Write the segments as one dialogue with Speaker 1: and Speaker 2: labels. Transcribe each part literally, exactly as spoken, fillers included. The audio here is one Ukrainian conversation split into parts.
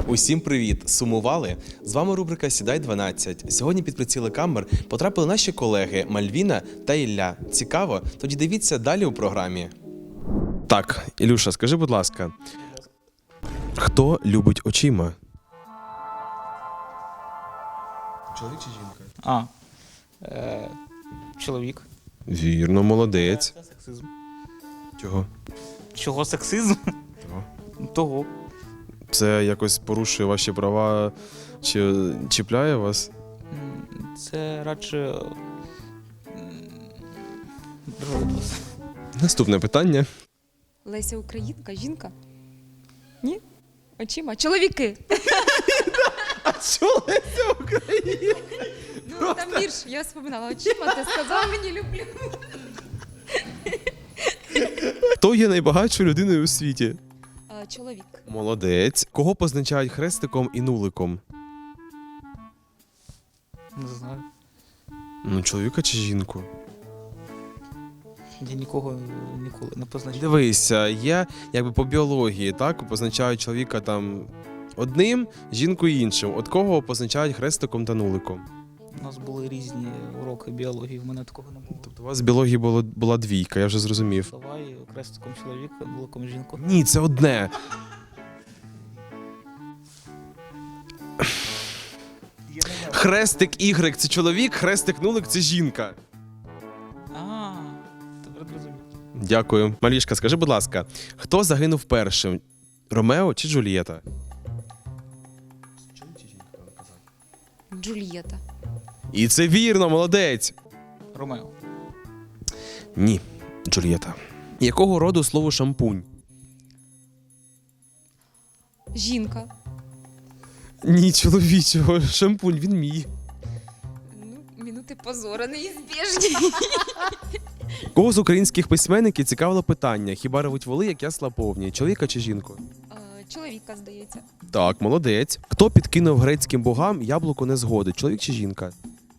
Speaker 1: Усім привіт! Сумували? З вами рубрика «Сідай дванадцять». Сьогодні під приціли камер потрапили наші колеги Мальвіна та Ілля. Цікаво? Тоді дивіться далі у програмі. Так, Ілюша, скажи, будь ласка, хто любить очима? Чоловік чи жінка?
Speaker 2: А, е, чоловік.
Speaker 1: Вірно, молодець.
Speaker 2: Це сексизм.
Speaker 1: Чого?
Speaker 2: Чого сексизм?
Speaker 1: Чого?
Speaker 2: Того.
Speaker 1: Це якось порушує ваші права чи чіпляє вас?
Speaker 2: М, Це радше м, другий вопрос.
Speaker 1: Наступне питання.
Speaker 3: Леся Українка, жінка? Ні? Очима? Чоловіки!
Speaker 1: А що Леся Українка?
Speaker 3: Ну, там вірш, я вспоминала. Очима, ти сказав мені люблю.
Speaker 1: Хто є найбагатшою людиною у світі?
Speaker 3: А, чоловік.
Speaker 1: Молодець. Кого позначають хрестиком і нуликом?
Speaker 2: Не знаю.
Speaker 1: Ну, чоловіка чи жінку?
Speaker 2: Я нікого ніколи не позначив.
Speaker 1: Дивися, є якби по біології, так, позначають чоловіка там одним, жінку іншим. От кого позначають хрестиком та нуликом?
Speaker 2: У нас були різні уроки біології, в мене такого не було.
Speaker 1: Тобто у вас з біології було, була двійка, я вже зрозумів.
Speaker 2: Давай крестиком чоловіка, нуликом жінку.
Speaker 1: Ні, це одне. Хрестик Y – це чоловік, хрестик нулик – це жінка.
Speaker 2: А, тепер зрозумів.
Speaker 1: Дякую. Малішка, скажи, будь ласка, хто загинув першим? Ромео чи Джульєта?
Speaker 3: Джульєта.
Speaker 1: І це вірно, молодець.
Speaker 2: Ромео.
Speaker 1: Ні, Джульєта. Якого роду слово шампунь?
Speaker 3: Жінка.
Speaker 1: Ні, чоловічого. Шампунь, він мій.
Speaker 3: Ну, минути позора неізбіжні.
Speaker 1: Кого з українських письменників цікавило питання? Хіба ревуть воли, як ясла повні? Чоловіка чи жінку?
Speaker 3: А, чоловіка, здається.
Speaker 1: Так, молодець. Хто підкинув грецьким богам яблуко незгоди? Чоловік чи жінка?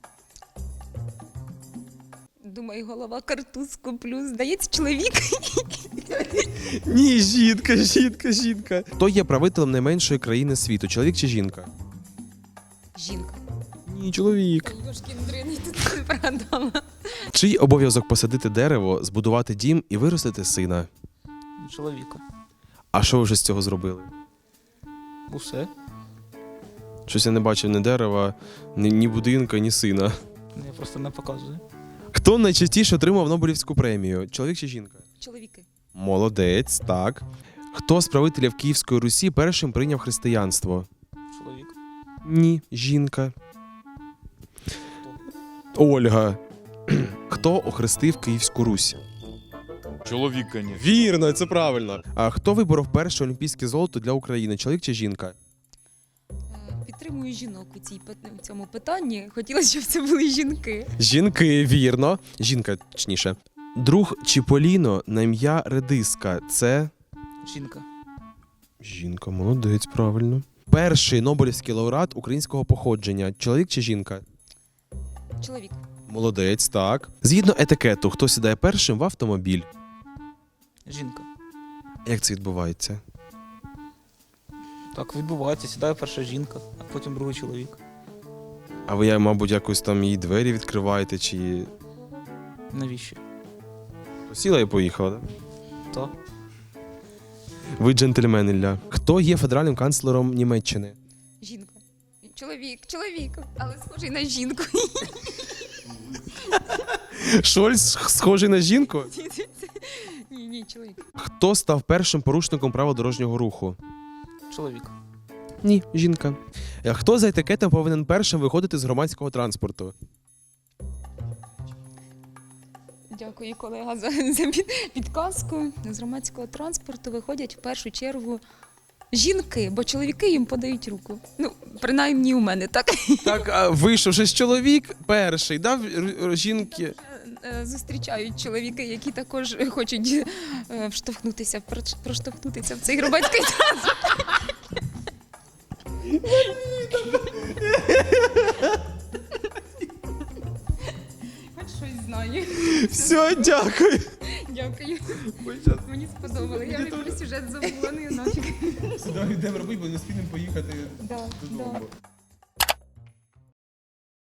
Speaker 3: Думаю, голова картузку плюс. Здається, чоловік.
Speaker 1: Ні, жінка, жінка, жінка. Хто є правителем найменшої країни світу? Чоловік чи жінка?
Speaker 3: Жінка.
Speaker 1: Ні, чоловік.
Speaker 3: Йошкін дриний, тут не прогадала.
Speaker 1: Чий обов'язок посадити дерево, збудувати дім і виростити сина?
Speaker 2: Чоловіка.
Speaker 1: А що ви вже з цього зробили?
Speaker 2: Усе.
Speaker 1: Щось я не бачив ні дерева, ні, ні будинка, ні сина.
Speaker 2: Я просто не показую.
Speaker 1: Хто найчастіше отримав Нобелівську премію? Чоловік чи жінка?
Speaker 3: Чоловіки.
Speaker 1: Молодець, так. Хто з правителів Київської Русі першим прийняв християнство?
Speaker 2: Чоловік.
Speaker 1: Ні, жінка. Ольга. Хто охрестив Київську Русь?
Speaker 4: Чоловік, конечно.
Speaker 1: Вірно, це правильно. А хто виборов перше олімпійське золото для України? Чоловік чи жінка?
Speaker 3: Е, Підтримую жінок у цій пит- у цьому питанні. Хотілося, щоб це були жінки.
Speaker 1: Жінки, вірно. Жінка, точніше. Друг Чіполіно на ім'я Редиска. Це
Speaker 2: Жінка.
Speaker 1: жінка, молодець, правильно. Перший Нобелівський лауреат українського походження. Чоловік чи жінка?
Speaker 3: Чоловік.
Speaker 1: Молодець, так. Згідно етикету, хто сідає першим в автомобіль?
Speaker 2: Жінка.
Speaker 1: Як це відбувається?
Speaker 2: Так, відбувається. Сідає перша жінка, а потім другий чоловік.
Speaker 1: А ви, мабуть, якось там її двері відкриваєте, чи
Speaker 2: Навіщо?
Speaker 1: сіла і поїхала, так?
Speaker 2: Так.
Speaker 1: Ви джентльмен, Ілля. Хто є федеральним канцлером Німеччини?
Speaker 3: Жінка. Чоловік, чоловік, але схожий на жінку.
Speaker 1: Шольц схожий на жінку?
Speaker 3: Ні, ні, чоловік.
Speaker 1: Хто став першим порушником правил дорожнього руху?
Speaker 2: Чоловік.
Speaker 1: Ні, жінка. Е, Хто за етикетом повинен першим виходити з громадського транспорту?
Speaker 3: Дякую, колега, за, за під- підказку. З громадського транспорту виходять в першу чергу жінки, бо чоловіки їм подають руку. Ну, принаймні у мене, так?
Speaker 1: Так, а вийшов же ж чоловік перший, дав р- р- жінки.
Speaker 3: Е, Зустрічають чоловіки, які також хочуть е, вштовхнутися, проч- проштовхнутися в цей громадський транспорт. Хоч щось знаю.
Speaker 1: Все, дякую.
Speaker 3: Дякую. Мені сподобалося. Я вже про сюжет забула, ну і нафіг.
Speaker 1: Давай йдемо робити, бо не спінемо поїхати
Speaker 3: Да,
Speaker 1: додому.
Speaker 3: да.